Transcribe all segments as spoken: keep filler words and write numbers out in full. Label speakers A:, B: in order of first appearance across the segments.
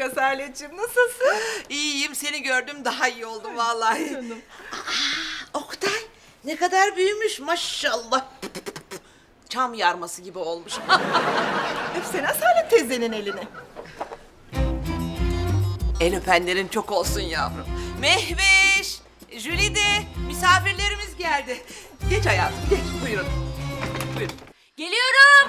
A: Asaletciğim, nasılsın?
B: İyiyim, seni gördüm daha iyi oldum vallahi.
A: Canım.
B: Aa, Oktay ne kadar büyümüş maşallah. Çam yarması gibi olmuş.
A: Öpsene Asalet teyzenin elini.
B: El öpenlerin çok olsun yavrum. Mehveş, Jülide, misafirlerimiz geldi. Geç hayatım, geç. Buyurun. Buyurun.
C: Geliyorum.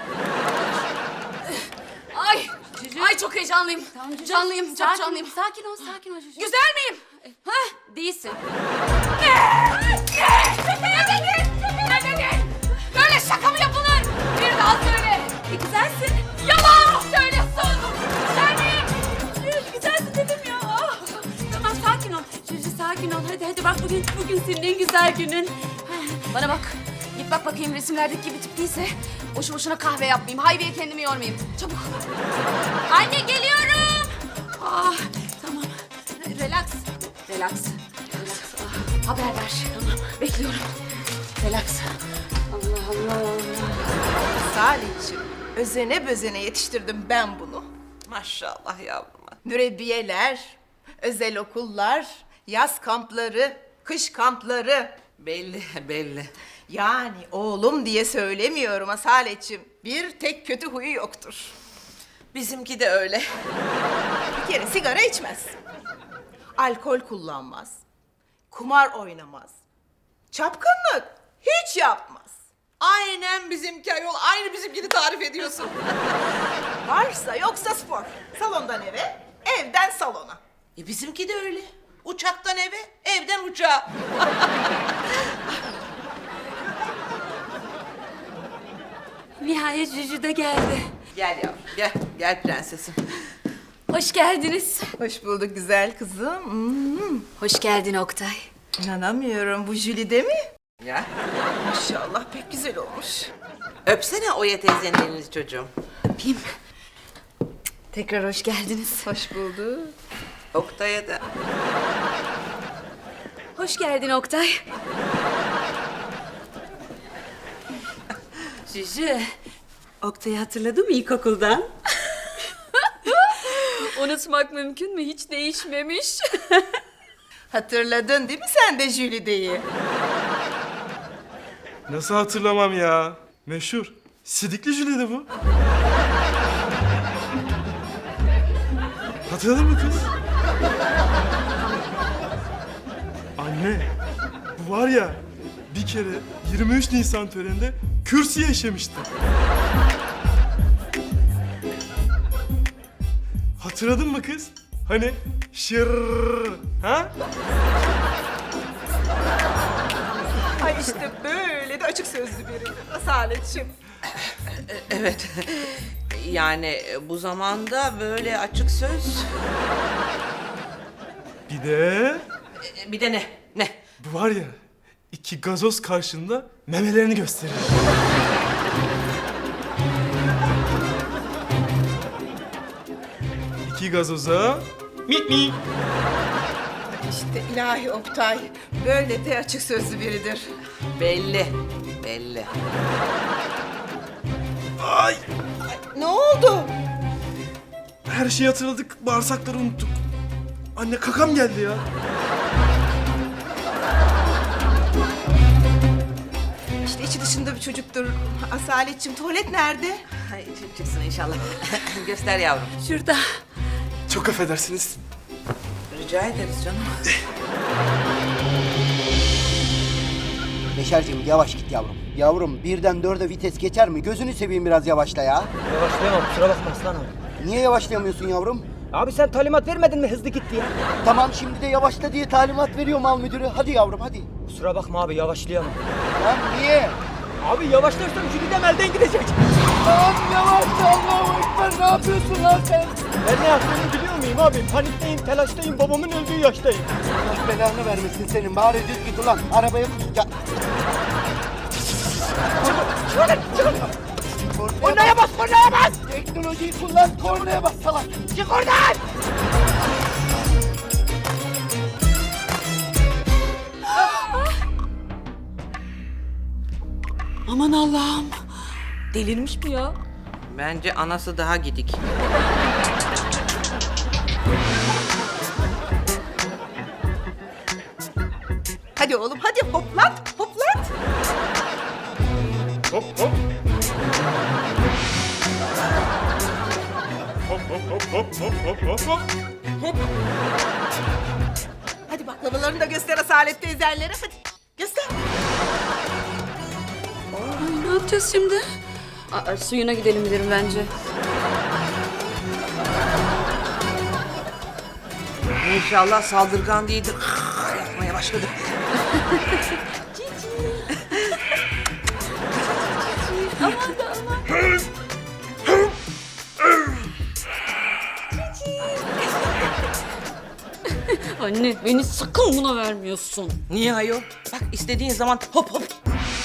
C: Ay, ay çok heyecanlıyım. Canlıyım, çok
D: sakin,
C: canlıyım.
D: Sakin ol, sakin ol Cücü.
C: Güzel miyim?
D: Hah, değilsin.
C: Ne? Ne? Ne dedin? Ne dedin? Böyle şaka mı yapılır? Bir daha söyle.
D: E, güzelsin.
C: Yalan söylüyorsun. Güzel miyim?
D: Güzelsin dedim ya. Ah. Tamam, sakin ol. Cücü sakin ol. Hadi hadi bak bugün bugün senin en güzel günün.
C: Bana bak. Git bak bakayım resimlerdeki gibi tip değilse boşu boşuna kahve yapmayayım. Haybiye kendimi yormayayım. Çabuk.
D: Anne geliyorum.
C: Ah, tamam. Relax. Relax. Relax. Ah, haber ver. Tamam. Bekliyorum. Relax. Allah Allah Allah.
A: Asaletciğim, özene bözene yetiştirdim ben bunu.
B: Maşallah yavruma.
A: Mürebbiyeler, özel okullar, yaz kampları, kış kampları.
B: Belli, belli.
A: Yani oğlum diye söylemiyorum Asaletciğim. Bir tek kötü huyu yoktur.
B: Bizimki de öyle.
A: Bir kere sigara içmez. Alkol kullanmaz. Kumar oynamaz. Çapkınlık hiç yapmaz.
B: Aynen bizimki ayol. Aynı bizimkini tarif ediyorsun.
A: Varsa yoksa spor. Salondan eve, evden salona.
B: E bizimki de öyle. Uçaktan eve, evden uçağa.
D: Nihayet Cücü de geldi.
B: Gel yavrum, gel. Gel prensesim.
D: Hoş geldiniz.
A: Hoş bulduk güzel kızım. Hmm.
D: Hoş geldin Oktay.
A: İnanamıyorum, bu Jülide mi?
B: Ya.
A: Maşallah pek güzel olmuş.
B: Öpsene Oya teyzenin elini çocuğum.
D: Öpeyim. Tekrar hoş geldiniz.
A: Hoş bulduk.
B: Oktay'a da.
D: Hoş geldin Oktay. Cücü, Oktay'ı hatırladın mı ilkokuldan? Unutmak mümkün mü? Hiç değişmemiş.
A: Hatırladın değil mi sen de Jülide'yi?
E: Nasıl hatırlamam ya? Meşhur. Sidikli Jülide bu. Hatırladın mı kız? Anne, bu var ya bir kere yirmi üç Nisan töreninde kürsüye işemişti. Hatırladın mı kız? Hani şır, ha?
A: Ay işte böyle de açık sözlü biri Asaletciğim.
B: Evet. Yani bu zamanda böyle açık söz.
E: Bir de
B: Bir de ne? Ne?
E: bu var ya iki gazoz karşında memelerini gösteriyor. İki gazoza mit mi?
A: İşte ilahi Oktay böyle de açık sözlü biridir.
B: Belli. Belli.
E: Ay!
A: Ne oldu?
E: Her şeyi hatırladık, bağırsakları unuttuk. Anne kakam geldi ya.
A: İşte içi dışında bir çocuktur. Asaletciğim tuvalet nerede?
B: Ay, çıksın inşallah. Göster yavrum.
D: Şurada.
E: Çok affedersiniz.
B: Rica ederiz canım.
F: Beşerciğim yavaş git yavrum. Yavrum birden dörde vites geçer mi? Gözünü seveyim biraz yavaşla ya.
G: Yavaşlayamam kusura bakma Aslan abi.
F: Niye yavaşlayamıyorsun yavrum?
G: Abi sen talimat vermedin mi hızlı git diye?
F: Tamam şimdi de yavaşla diye talimat veriyor mal müdürü. Hadi yavrum hadi.
G: Kusura bakma abi yavaşlayamam.
F: Lan niye?
G: Abi yavaşlarsam Jülidem elden gidecek.
F: Lan yavaş Allahu Ekber, ne yapıyorsun lan sen?
G: Ben ne yaptığımı biliyor muyum abi? Panikteyim, telaştayım, babamın öldüğü yaştayım.
F: Allah belanı vermesin senin. Bari düz git ulan. Arabaya ya. Kornaya bas, kornaya bas! Teknolojiyi kullan, kornaya bas salak! Çık oradan!
D: Aman Allah'ım. Delirmiş mi ya?
B: Bence anası daha gidik.
A: Hadi oğlum hadi hoplat hoplat.
E: Hop hop. Hop hop hop hop hop hop hop hop.
A: Hadi baklavalarını da göster Asalet teyzenlere hadi. Göster.
D: Ay, ne yapacağız şimdi? Aa, suyuna gidelim derim bence.
B: İnşallah saldırgan değildir. Yapmaya başladı.
D: Anne beni sakın buna vermiyorsun.
B: Niye ayol? Bak istediğin zaman hop hop.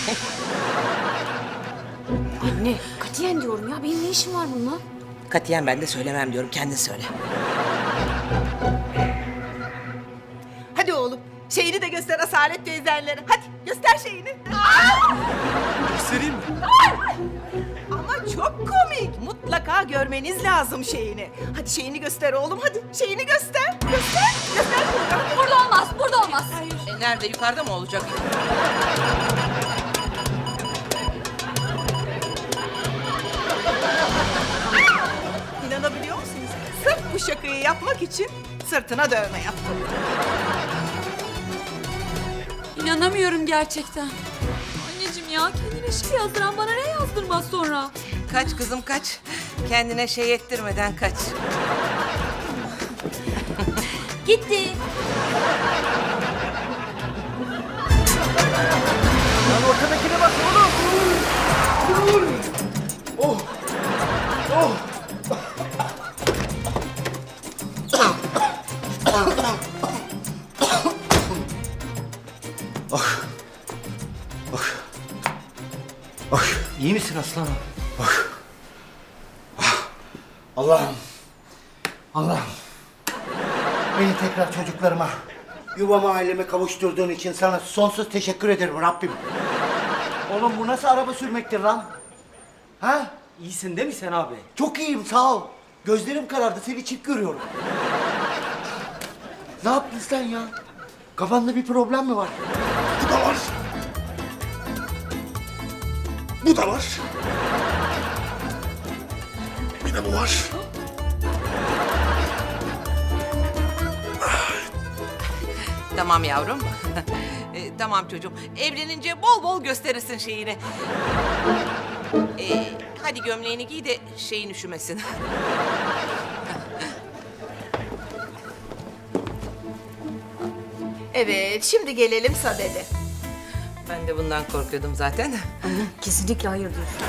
D: Anne katiyen diyorum ya benim ne işim var bununla?
B: Katiyen ben de söylemem diyorum. Kendin söyle.
A: Hadi oğlum şeyini de göster Asalet teyzenlere. Hadi göster şeyini.
E: Göstereyim mi?
A: Ama çok komik. Mutlaka görmeniz lazım şeyini. Hadi şeyini göster oğlum hadi. Şeyini göster. Göster. Göster.
D: Burada olmaz burada olmaz.
B: E, nerede? Yukarıda mı olacak?
A: İnanabiliyor musunuz? Sırf bu şakayı yapmak için sırtına dövme yaptım.
D: İnanamıyorum gerçekten. Anneciğim ya kendine şey yazdıran bana ne yazdırmaz sonra?
B: Kaç kızım kaç. Kendine şey ettirmeden kaç.
D: Gitti.
F: Lan ortadakine bak oğlum. Oh. Oh.
G: İyi misin aslanım?
F: Allah'ım. Allah'ım. Beni tekrar çocuklarıma, yuvama aileme kavuşturduğun için sana sonsuz teşekkür ederim Rabbim. Oğlum bu nasıl araba sürmektir lan? Ha?
G: İyisin değil mi sen abi?
F: Çok iyiyim sağ ol. Gözlerim karardı seni çift görüyorum. Ne yaptın sen ya? Kafanda bir problem mi var?
E: Bu da var. Bu da var. Bir de bu var.
B: Tamam yavrum. E, tamam çocuğum. Evlenince bol bol gösterirsin şeyini. E, hadi gömleğini giy de şeyin üşümesin.
A: Evet şimdi gelelim Sadede.
B: Ben de bundan korkuyordum zaten.
D: Kesinlikle hayır diyorsun.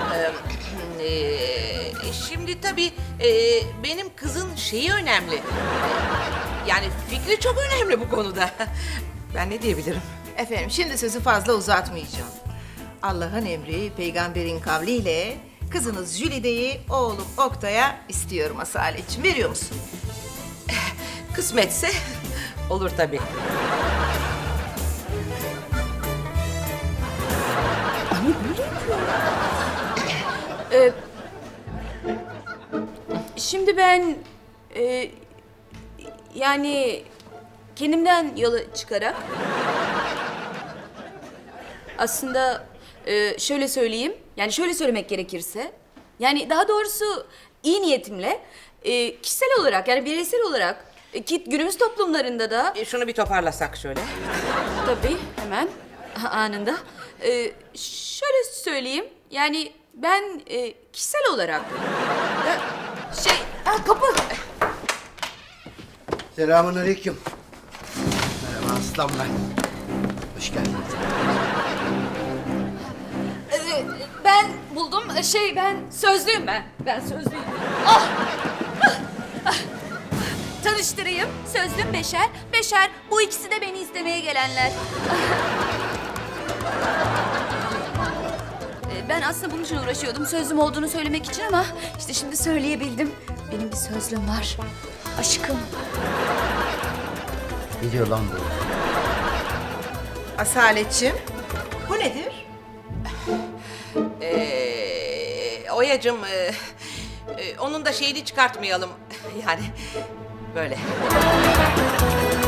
B: Ee, şimdi tabii e, benim kızın şeyi önemli. Ee, Yani fikri çok önemli bu konuda. Ben ne diyebilirim?
A: Efendim şimdi sözü fazla uzatmayacağım. Allah'ın emri peygamberin kavliyle kızınız Jülide'yi oğlum Oktay'a istiyorum Asaletciğim. Veriyor musun?
B: Kısmetse olur tabii.
D: Ee, şimdi ben e, yani kendimden yola çıkarak aslında e, şöyle söyleyeyim yani şöyle söylemek gerekirse yani daha doğrusu iyi niyetimle e, kişisel olarak yani bireysel olarak e, ki günümüz toplumlarında da
B: E, şunu bir toparlasak şöyle.
D: tabii hemen anında e, şöyle söyleyeyim yani ben e, kişisel olarak e, şey ha, kapı
F: Selamun aleyküm. Merhaba aslan ben. Hoş geldin.
D: e, ben buldum E, şey ben sözlüyüm ben ben sözlüyüm. Ah! Ah! Tanıştırayım sözlüm Beşer. Beşer bu ikisi de beni istemeye gelenler. E, Ben aslında bunun için uğraşıyordum. Sözlüm olduğunu söylemek için ama işte şimdi söyleyebildim. Benim bir sözlüm var. Aşkım.
F: Ne diyor lan bu?
A: Asaletciğim bu nedir?
B: Ee, Oya'cığım e, e, onun da şeyini çıkartmayalım. Yani böyle.